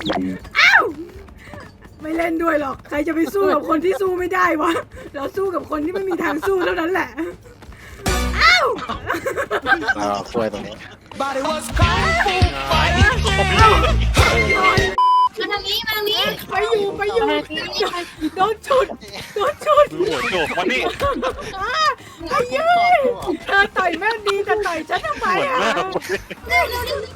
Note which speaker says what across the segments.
Speaker 1: อ้าวไม่เล่นด้วยหรอกใครจะไปสู้กับคนที่สู้ไม่ได้วะเราสู้กับคนที่ไม่มีทางสู้เท่านั้นแหละอ้าว
Speaker 2: ช่วยตรงนี้
Speaker 3: But it was kung fu fighting.
Speaker 4: มาทางนี้มาทางนี้
Speaker 1: ไปอยู่โดนชุด
Speaker 2: หัวโจกมานี่
Speaker 1: ไอ้ยืยเธอต่อยแม่ดีแต่ต่อยฉันทำไมอ่ะ
Speaker 4: เร็วเร็วเร็ว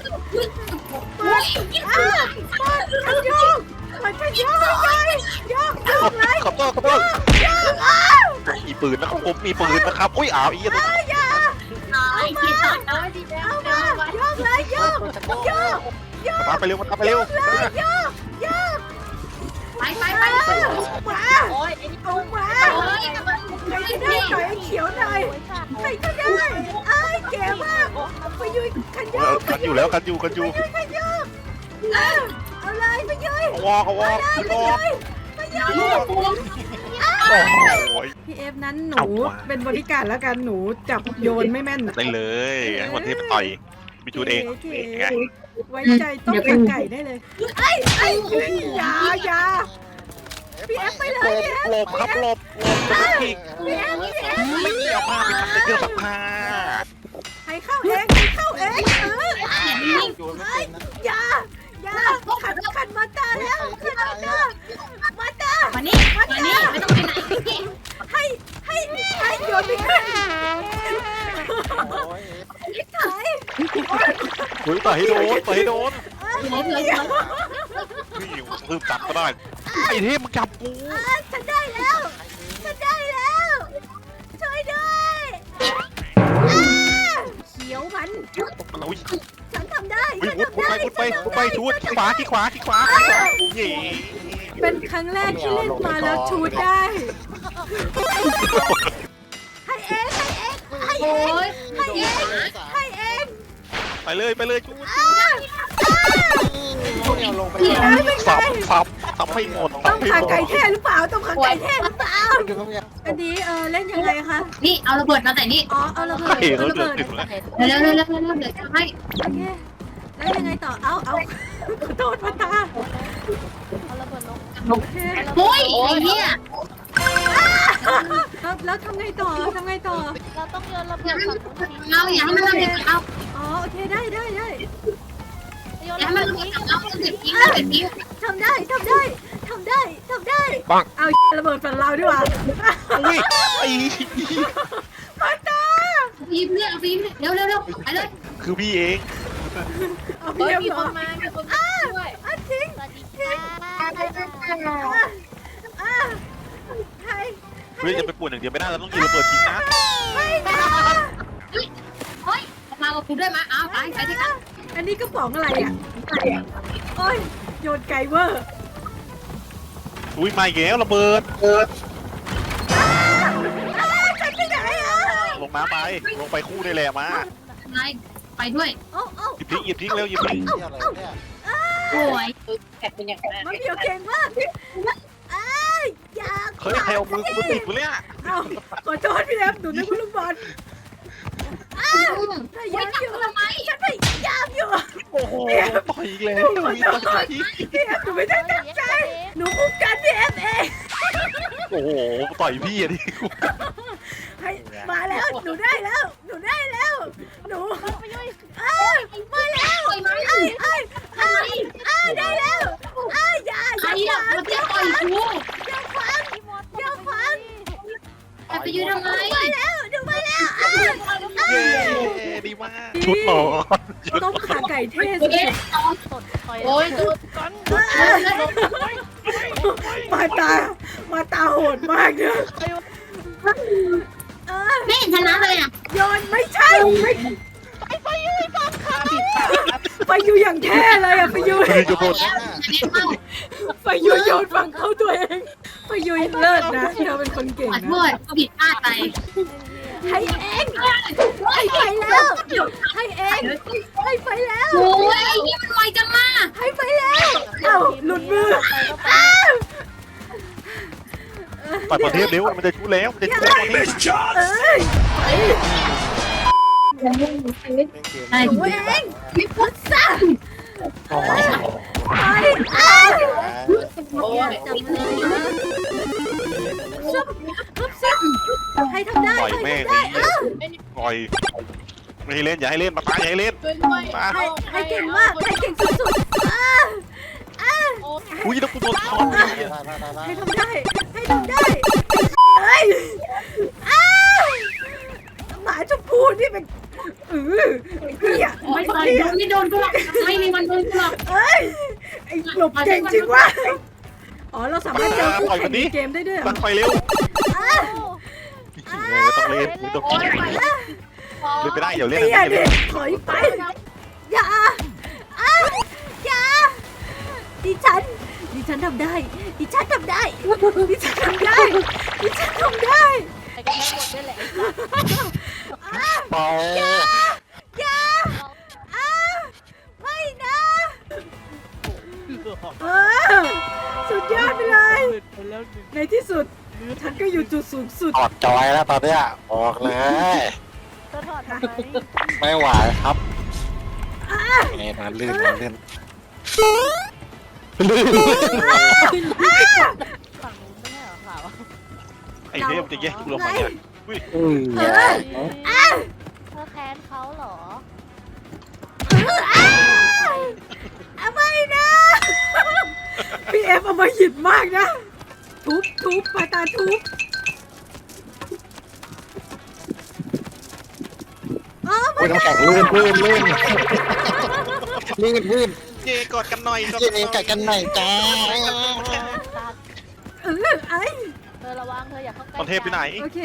Speaker 1: มันโยกมันจะโยกเลยโยกเลย
Speaker 2: ขอโทษ
Speaker 1: โยกอ้าว
Speaker 2: มีปืนนะครับผมมีปืนนะครับอุ้ยอ้าวอีก
Speaker 1: อย่า
Speaker 4: น้อยที่ตัดน้อยดีแล้ว
Speaker 1: เอามาโยกเลยโยก
Speaker 2: มาไปเร็วมาไปเร็ว
Speaker 1: โยก
Speaker 4: ไปไป
Speaker 1: มา
Speaker 4: ไป
Speaker 1: โอ้ยเอามา
Speaker 4: โอ้ยกับมัน
Speaker 1: ใครก็ได้ต่อยไอ้เขียวหน่อยใครก็ได้ไอ้เก๋มากไปยุยขันโยก
Speaker 2: กันอยู่แล้วกันอยู่
Speaker 1: ขันโยกเอาเลยไปยุย
Speaker 2: วอกวอก
Speaker 1: ไปยุย
Speaker 2: โอ้ย
Speaker 1: พี่เอฟนั้นหนูเป็นบริการแล้วกันหนูจับโยนไม่แม่น
Speaker 2: ได้เลยให้วันที่ต่อยมีจูดเองไง
Speaker 1: ไว้ใจต้มขาไก่ได้เลยไอ้อย่าพี่เอฟไปเลยพี่เอฟ
Speaker 2: หลบครับหลบอีก
Speaker 1: พี่เอฟ
Speaker 2: ไม่เกี่ยวผ้าไปทำแต่เครื่องซักผ้า
Speaker 1: ให้เข้าเองอย่าขันมาตาแล้วขันมาตา
Speaker 4: มานี่มานี่ไม่ต้องไปไหน
Speaker 1: ให้โยนไปขึ้นถ่าย
Speaker 2: อุ้ยต่อยให้โดน
Speaker 4: เหลือ
Speaker 2: พี่ลืมจับก็ได้ไอ้เทพมึงจับกู
Speaker 1: ฉันได้แล้วช่วยด้วยเขียวมัน
Speaker 2: อุ้ย
Speaker 1: ฉันทำได้
Speaker 2: วุดไปชูดขวาเย่
Speaker 1: เป็นครั้งแรกที่เล่นมาแล้วชูดได้ให้เองให้เอง
Speaker 2: ไปเลยชูด
Speaker 3: ลงไป
Speaker 2: สับให้หมด
Speaker 1: ต้องขาไก่แท้หรือเปล่าต้องขาไก่แท้หรือเปล่า
Speaker 3: อยู่ตรงนี้
Speaker 1: อันนี้เล่นยังไงคะ
Speaker 4: นี่เอาระเบิดมาแต่นี่
Speaker 1: อ๋อเอาระเบิด
Speaker 2: เฮ้ยเราเดือดถึงแล้ว
Speaker 4: เร็วเดี๋ยวจะให้
Speaker 1: โอเคแล้วยังไงต่อเอาขอโทษมาตาโอเค
Speaker 4: โอ้ยไอ้เนี่ย
Speaker 1: แล้วทำไงต่อ
Speaker 5: เราต้องโยนระเบิดฝั่งนู้นทิ้ง
Speaker 4: เราอย่าให้มันระเบิดเรา
Speaker 1: อ๋อโอเคได้
Speaker 5: โยน
Speaker 4: อย่า
Speaker 5: ระ
Speaker 4: ให้
Speaker 5: เบิ
Speaker 4: มัน
Speaker 5: ด
Speaker 4: ระเบิ
Speaker 5: ทิ้
Speaker 4: ด
Speaker 5: ง
Speaker 4: เราเก็บทิ้งทิ้ง
Speaker 1: ทำได้เอาระเบิดฝันเราดีกว่า
Speaker 2: อุ้ยไอ้
Speaker 1: มาตา
Speaker 4: ฟิล์มเนี่ยเอาฟิล์มเร็วไปเลย
Speaker 2: คือพี่เอง
Speaker 1: เอา
Speaker 5: เฮ้ย
Speaker 1: เพียบ
Speaker 5: มี
Speaker 1: เหรอน
Speaker 5: คมามีคนมาช่วย
Speaker 1: ทิ้ง
Speaker 5: สวัสดีค่ะ
Speaker 1: ใคร
Speaker 2: เฮ้ยจะไปป่วนอย่างเดียวไม่ได้เราต้องยิงระเบิดจริงนะ
Speaker 1: ไม่นะ
Speaker 4: เฮ้ยมากับกูด้วยมาเอาไปที่กัน
Speaker 1: อันนี้กระป๋องอะไรอ่ะโอ้ยโยนไกเวอร์
Speaker 2: อุ้ยมาอีกแล้วระเบิด
Speaker 1: ฉันไปไหนอ่ะ
Speaker 2: ลงน้ำไปลงไปคู่ได้แหละมา
Speaker 4: นายไปด้วย
Speaker 1: โอ้
Speaker 2: หยิบทิ้งเร็วหยิบทิ้ง
Speaker 3: ที่อะไรเนี่ย
Speaker 4: โอ้ย
Speaker 5: แกเป็นอย่างนั้น
Speaker 1: มาเพียวเก่งมากอย่า
Speaker 2: เฮ้ยใครเอามือกูติดกูเนี่ย
Speaker 1: เอาขอโทษพี่แอฟหนูนึกว่าลูกบอลพยายามอยู่ทำไมฉันพยายามอยู่
Speaker 2: โอ้โหต่อยอีกแล้วมีต่อย
Speaker 1: พี่แอฟหนูไม่ได้ตั้งใจหนูคุ้มกันพี่แอฟเอง
Speaker 2: โอ้โหต่อยพี่อะดิ
Speaker 1: ให้มาแล้วหนูได้แล้วหนูได้แล้วหนูมาแล้วได้แล้วอย่า
Speaker 4: ใครอ่ะมาเตี้ยต่อยกู
Speaker 1: อย่าฟัง
Speaker 4: แต่ไปยืนทำไม
Speaker 1: มาแล้วหนูมาแล้ว
Speaker 2: เย้ดีมากชุดหล่อ
Speaker 1: ต้มขาไก่เทศ
Speaker 4: เอ๊ะ
Speaker 5: สดคอย
Speaker 4: โอ้ยกู
Speaker 1: มาตาโหดมากเนี่ย
Speaker 4: ไม่เห็นชนะเลยอ่ะ
Speaker 1: โยนไม่ใช่ไปอยู่อย่างแท้เลยอะไปอยู่
Speaker 2: คือจะหมด
Speaker 1: ไปอยู่โยนฝั่งเข้าตัวเองไปอยู่เลิศนะเธอเป็นคนเก่ง
Speaker 4: ขอ
Speaker 1: นะ
Speaker 4: โทษกูผิดพลาดไป
Speaker 1: ให้เองให้ไปแล้วให้เองให้ไปแล้ว
Speaker 4: โอ้ยนี่มันไวจังมา
Speaker 1: ให้ไปแล้วเอ้าหลุดมือ
Speaker 2: ปัดประเทศเร็วมันจะชุดแล้วมันจะชุดแล้ว
Speaker 1: เอ้ย
Speaker 3: เล่นเกม
Speaker 4: ไอ้
Speaker 1: หนูเองพิพุทธะไปอยากจับเลยนะซุบซุบซุบให้ทำได้
Speaker 2: ปล่อยแม่งไอ้เหี้ยปล่อยไม่ให้เล่นอย่าให้เล่นมาตายอย่าให้เล่น
Speaker 5: ช่วยด้วย
Speaker 2: มา
Speaker 1: ให้เก่งมากให้เก่งสุดๆ
Speaker 2: อุ้ยแล้วกูโดนถอนไอ้เหี้ย
Speaker 1: ให้ทำได้ให้ทำได้เฮ้ยหมาชมพูนี่เป็นไอ้เหี้ย
Speaker 4: ไม่โดนไม่โดนกูหรอกไม่มีวันโดนกูหรอก
Speaker 1: เอ้ยไอ้หลบเก่งจริงวะอ๋อเราสามารถเจอคู่แข่งในเกมได้ด้วยเหร
Speaker 2: ตั
Speaker 1: อ
Speaker 2: ดไฟเร็วไม่ต้องเล่นไม่ต้องเล่นไปได้เดี๋ยวเล่น
Speaker 1: ไอ้เหี้ยดิถอยไปอย่าอย่าดิฉันทำได้ดิฉันทำได้ดิฉันทำได้ดิฉันทำได้
Speaker 5: ไอ้ก็แค่หมดด้วยแหละ
Speaker 3: ปล่อย
Speaker 1: อย่าไม่นะสุดยอดไปเลย ในที่สุดฉันก็อยู่จุดสูงสุด
Speaker 3: ถอดจอยแล้วตอนเนี้ยบอกเลย
Speaker 5: ก็ถอดทำไม
Speaker 3: ไม่ไหวครับเอ็นลื่นลื่นลื่น
Speaker 5: ฝั่งนู้นไม่ใช่เหรอขาว
Speaker 2: ไอ้เทพจะแย่งกูลงมาเนี่ยอุ้ย
Speaker 5: เธอแค้นเขาเหรอ
Speaker 1: ไม่นะพี่เอฟเอามาหิดมากนะทุบปาตาทุบอ๋อ
Speaker 3: โอ้ยน้ำแข็งลื่นลื่นลื่นลื่นลื่น
Speaker 2: เย่กอดกันหน่อย
Speaker 3: เย็นกัดกันหน่อยจ้า
Speaker 1: ไอ้
Speaker 5: เธอระวังเธออย่าเข้าใกล้
Speaker 2: ตอนเทพไปไหน
Speaker 1: โอเค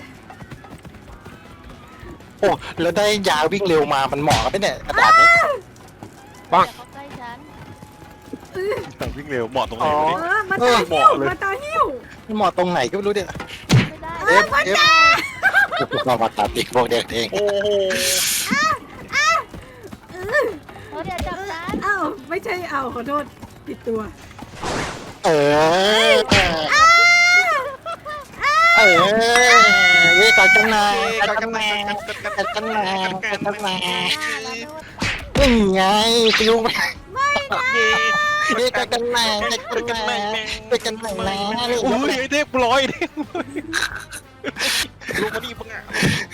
Speaker 3: โอ้แล้วได้ยาวิ่งเร็วมามันเหมาะกับเนี่ยกระดาษนี้
Speaker 5: อย่าเข้าใกล้ฉัน
Speaker 2: วิ่งเร็วเหมาะตรงไหน
Speaker 3: อ๋อ
Speaker 2: วะเนี่ย
Speaker 1: มาตาหิ้วมาตาหิ้ว
Speaker 3: มันเหมาะตรงไหนก็ไม่รู้เนี่ย
Speaker 5: ไม่ได้
Speaker 3: เอฟเอฟเรามาตัดติดพวกเด็กเอง
Speaker 2: โอ้โห
Speaker 5: เธออย่าจับฉัน
Speaker 1: อ้าวไม่ใช่เอาขอโทษผิดตัว
Speaker 3: เออเว้ยกัดกันหน่อยกัดกันหน่อยกัดกันหน่อยกัดกันหน่อย นี่ไงฟิวมาเว้ยกัดกันหน่อยกัดกันหน่อยกัดกันหน่อยนะ
Speaker 2: อุ้ยไอ้เทพลอยเทพลงมาดิมึงอ่ะ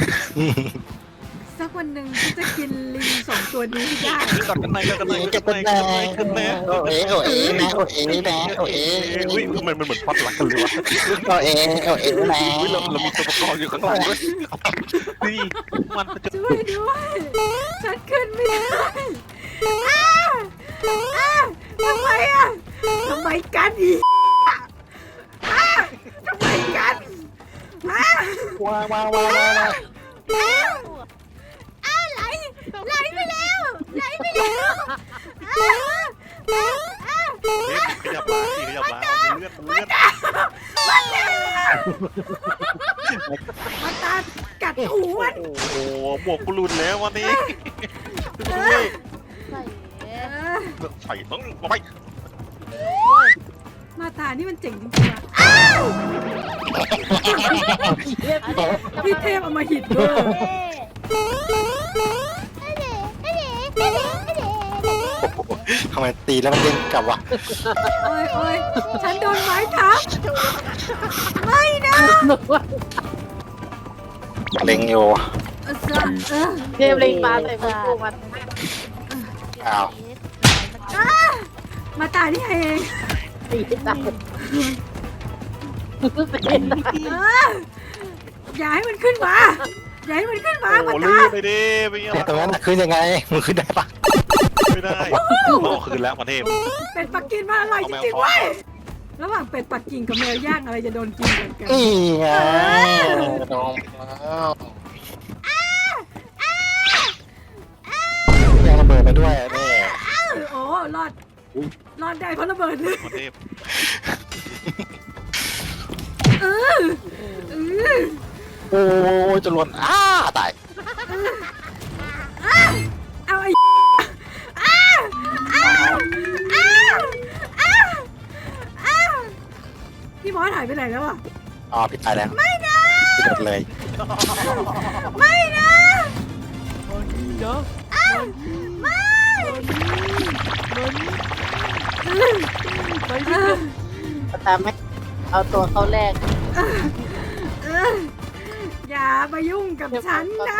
Speaker 1: สักวันหนึ่งฉันจะกินลิง2 ตัวนี้ให้ได้
Speaker 2: กอดกันหน่อยกอดกันหน่อยก
Speaker 3: กั
Speaker 2: อ
Speaker 3: ด
Speaker 2: ดกัน
Speaker 3: กัน
Speaker 2: ห
Speaker 3: ห
Speaker 2: น่
Speaker 3: น่
Speaker 2: อ
Speaker 3: อย ย
Speaker 2: กอดกันหน่อย
Speaker 3: โอ้เอ๋โอ้เอ๋นะโอ้เอ๋นะโอ้เอ๋
Speaker 2: อุ้ยมันเหมือนพอดรักกันเลยวะ
Speaker 3: โอ้เอ๋โอ้เอ๋นะ
Speaker 2: อุ้ยเรามีตัวประกอบอยู่ข้างหลังด้วยนี่มันจะ
Speaker 1: ช่วยด้วยฉันขึ้นไม่ได้ทำไมทำไมกันอีกทำไมกัน
Speaker 3: ว้าวว้าวว้าวว้าว
Speaker 1: ไหลไปแล้ว
Speaker 2: ขยับล้างขยับล้างเลือดเลือด
Speaker 1: มาตากัดหูมัน
Speaker 2: โอ้โหหมวกกูหลุดแล้ววันนี้
Speaker 5: ใส่
Speaker 2: ใส่ต้องไป
Speaker 1: มาตานี่มันเจ๋งจริงๆว่ะพี่เทพเอามาหิดเวอร์
Speaker 3: ทำไมตีแล้วมันเด้งกลับวะ
Speaker 1: โอ้ยฉันโดนไม้ทับไม่นะ
Speaker 3: เล็งอยู่
Speaker 5: เรียบเรียงมาใส่มือกูมัน
Speaker 3: อ้าว
Speaker 1: มาตานี่เอง
Speaker 5: ตีตายเป็น
Speaker 1: อย่าให้มันขึ้นมาอย่าให้มันขึ้นมา
Speaker 2: โอ้
Speaker 1: มา
Speaker 2: ลื่
Speaker 1: ตาน
Speaker 2: ไปดิไปยัง
Speaker 3: ตรงนั้นขึ้นยังไงมึงขึ้นได้ปะ
Speaker 2: ไม่ได้ต้องคืนแล้วประเทศ
Speaker 1: เป็ดปักกิ่งมันอร่อยจริงๆเว้ยระหว่างเป็ดปักกิ่งกับแมวย่างอะไรจะโดนกินเหมือนกัน
Speaker 3: นี่ไงโดนแล้วยังระเบิดมาด้วยนี่
Speaker 1: โอ้รอดได้เพราะระเบิดเลย
Speaker 2: ประเทศ
Speaker 3: โอ้ยจะหล่นตาย
Speaker 1: เอาไอ้พี่มอสหายไปไหนแล้วอ่ะ
Speaker 3: อ๋อพี่ตายแล้วไม่นะพี่โดดเลย
Speaker 1: ไม่นะ ไม่
Speaker 5: ตามไหมเอาตัวเขาแรก
Speaker 1: เอออย่ามายุ่งกับฉันนะ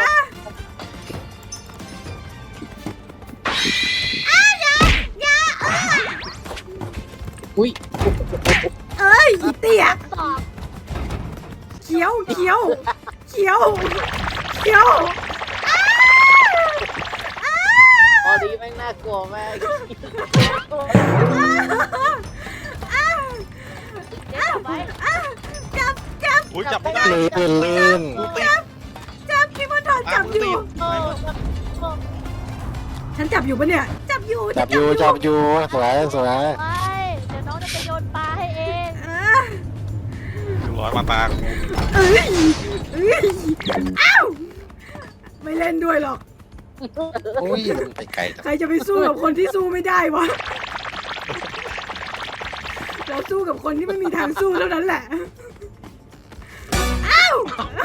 Speaker 5: อุ้ย
Speaker 1: เอ้ยอีเตี้ย
Speaker 4: สอบ
Speaker 1: เขียวเขียวเขียวเขียว
Speaker 5: พอดีแม่งน่ากลัวมาก
Speaker 4: เจ๊จับไว้
Speaker 1: จับจับ
Speaker 2: อุ้ยจับไม่ได้
Speaker 3: ลื่น
Speaker 1: จับพี่มดทอนจับอยู่
Speaker 5: โอ้
Speaker 1: ฉันจับอยู่ปะเนี่ย จับอยู่
Speaker 3: จับอยู่สวยสวย
Speaker 4: ไปเดี๋ยวน้องจะไปโยนปลาให้เอง
Speaker 1: เออ
Speaker 2: ร้อยมาตา
Speaker 1: เอ้ยเอ้ยอ้าวไม่เล่นด้วยหรอก
Speaker 3: อุ้ยไปไกลจัง
Speaker 1: ใครจะไปสู้กับคนที่สู้ไม่ได้วะ เราสู้กับคนที่ไม่มีทางสู้เท่านั้นแหละ อ้าว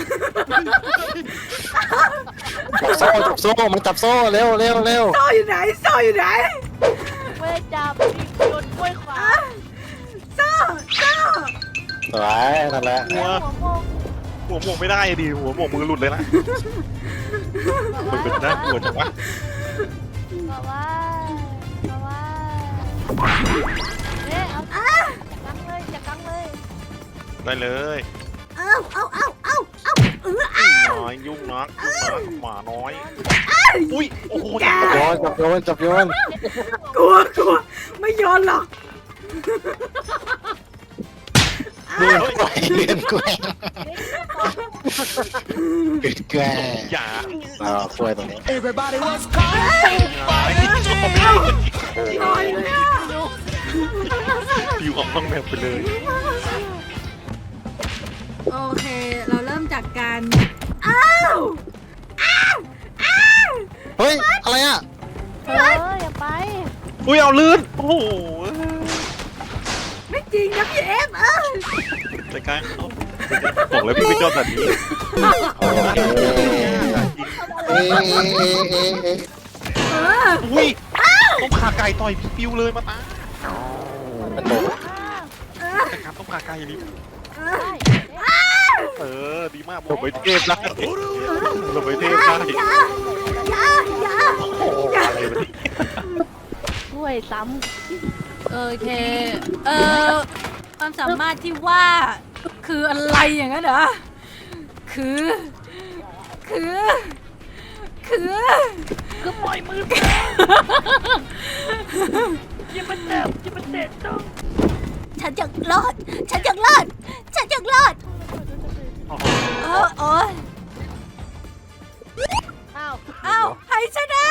Speaker 3: จับโซ่มันจับโซ่เร็ว
Speaker 1: โซ่อยู่ไหนโซ่อยู่ไหน
Speaker 4: ไม่ได้จับนี่โยนกล้วยขวา
Speaker 1: อ้าวโซ่
Speaker 3: สวยนั่นแหละ
Speaker 2: หัว
Speaker 4: หัวโมง
Speaker 2: หมวกไม่ได้ดิหัวหมวกมือหลุดเลยนะมันเป็นน่ากลัวจังวะ
Speaker 4: บอกว่าเนี่ยเอาจังเลยจังเลย
Speaker 2: ได้เลย
Speaker 1: เอา
Speaker 2: น้อยยุ่งนักหมาน้อยอุ้ยโอ้โห
Speaker 3: จับโยน
Speaker 1: กลัวไม่โยนหรอก
Speaker 3: เลื่อนแกล้งเลื่อนแกล้ง
Speaker 2: อย่า
Speaker 3: ช่วยตรงนี้
Speaker 1: ลอยเลยอะ
Speaker 2: อยู่ออกห้องแบบไปเลย
Speaker 1: โอเค เราเริ่มจากการอ้าว
Speaker 3: เฮ้ยอะไรอ่ะ
Speaker 4: อย่าไป
Speaker 2: อุ้ยเอาลื่นโอ้โห
Speaker 1: ไม่จริงนะพี่เอฟ
Speaker 2: ใจกลางบอกแล้วพี่ไม่ชอบแบบนี้
Speaker 1: เออ
Speaker 2: อุ้ยต้องขาไก่ต่อยพี่ปิวเลยมาตา
Speaker 3: มันโดน
Speaker 2: แต่การต้องขาไก่นี่
Speaker 1: ได้
Speaker 2: ดีมากผมไปเทพได้ผมไปเทพได้
Speaker 1: อย่า
Speaker 2: โอ้โหอะไรวะนี่
Speaker 4: กล้วยซ้
Speaker 1: โอเคความสามารถที่ว่าคืออะไรอย่างนั้นเหรอคือ
Speaker 4: ำปล่อยมืออย่ามาเตะต้อง
Speaker 1: ฉันอยากรอดโอ้ย
Speaker 4: อ้าว
Speaker 1: ใครชนะ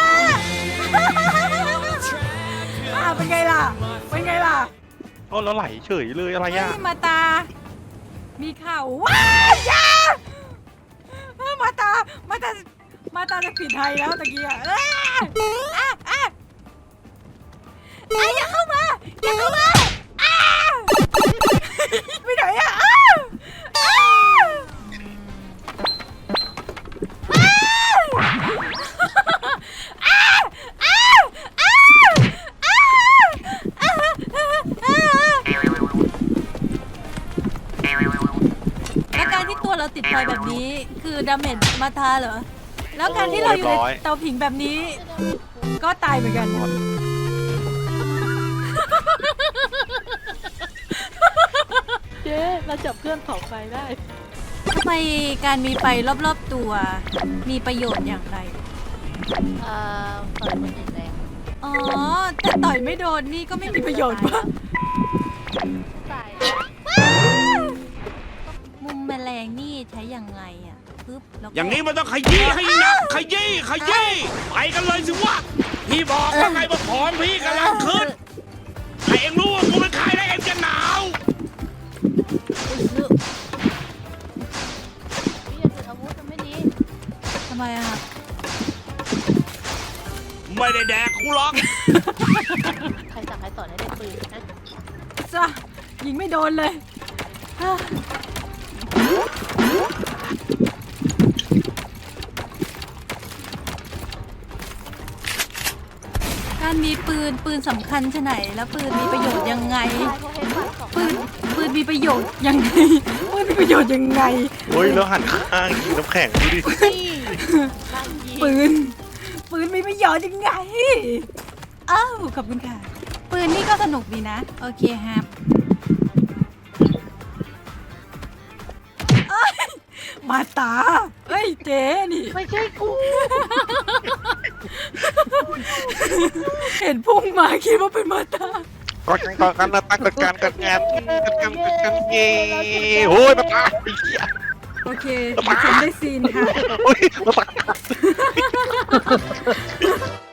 Speaker 1: เป็นไงล่ะ
Speaker 2: ก็แล้วไหลเฉยเลยอะไรอ่ะ
Speaker 1: มาตา มีข่าวว้ายยามาตาจะผิดไทยแล้วตะกี้อย่าเข้ามาไปไหนอ่ะแล้วการที่ตัวเราติดไฟแบบนี้คือดาเมจมาทาเหรอ แล้วการที่เราอยู่ในเตาผิงแบบนี้ ก็ตายเหมือนกัน
Speaker 4: เจ๊เราจับเพื่อนเผาไฟได้
Speaker 1: ทำไมการมีไฟรอบๆตัวมีประโยชน์อย่างไร
Speaker 4: ต่อยมันติดแรง
Speaker 1: อ๋อ แต่ต่อยไม่โดนนี่ก็ไม่มีประโยชน์ปะ
Speaker 4: ใส่
Speaker 1: มุมแมลงนี่ใช้ยังไงอ่ะปึ๊บแล้วก็
Speaker 6: อย่างนี้มันต้องขยี้ให้หนักขยี้ไปกันเลยสิวะพี่บอกว่าไงว่าผอมพี่กำลังขึ้นให้เอ็งรู้ว่ากูเป็นใครแล้วเอ็งจะหนาว
Speaker 4: พี่อย่าถืออาวุธมันไม่ดี
Speaker 1: ทำไมอ่ะ
Speaker 6: ไม่ได้แดกกูหรอก
Speaker 4: ใครสั่งใครสอนให้ได้ปืนนะ
Speaker 1: จ้ะยิงไม่โดนเลย กานมีปืนสำคัญชะไหนแล้วปืนมีประโยชน์ยังไง ปืนมีประโยชน์ยังไงปืนมีประโยชน์ยังไง
Speaker 2: โอ้ยแล้วหันข้างยิงน้ำแข็งดูดิ
Speaker 1: ปืนมีประโยชน์ยังไงอ้าวขอบคุณค่ะปืนนี่ก็สนุกดีนะโอเคครับเอ้ยมาตาเอ้ยเจ๊นี่
Speaker 5: ไม่ใช่กู
Speaker 1: เห็นพุ่งมาคิดว่าเป็นมาตา
Speaker 2: ก่อนกันนะตั้งกันกันงานกันเย่โอ้ยมาตาไอ้เหี้ย
Speaker 1: โอเคดิฉันได้ซีนค่ะ
Speaker 2: โอ้ยมาตา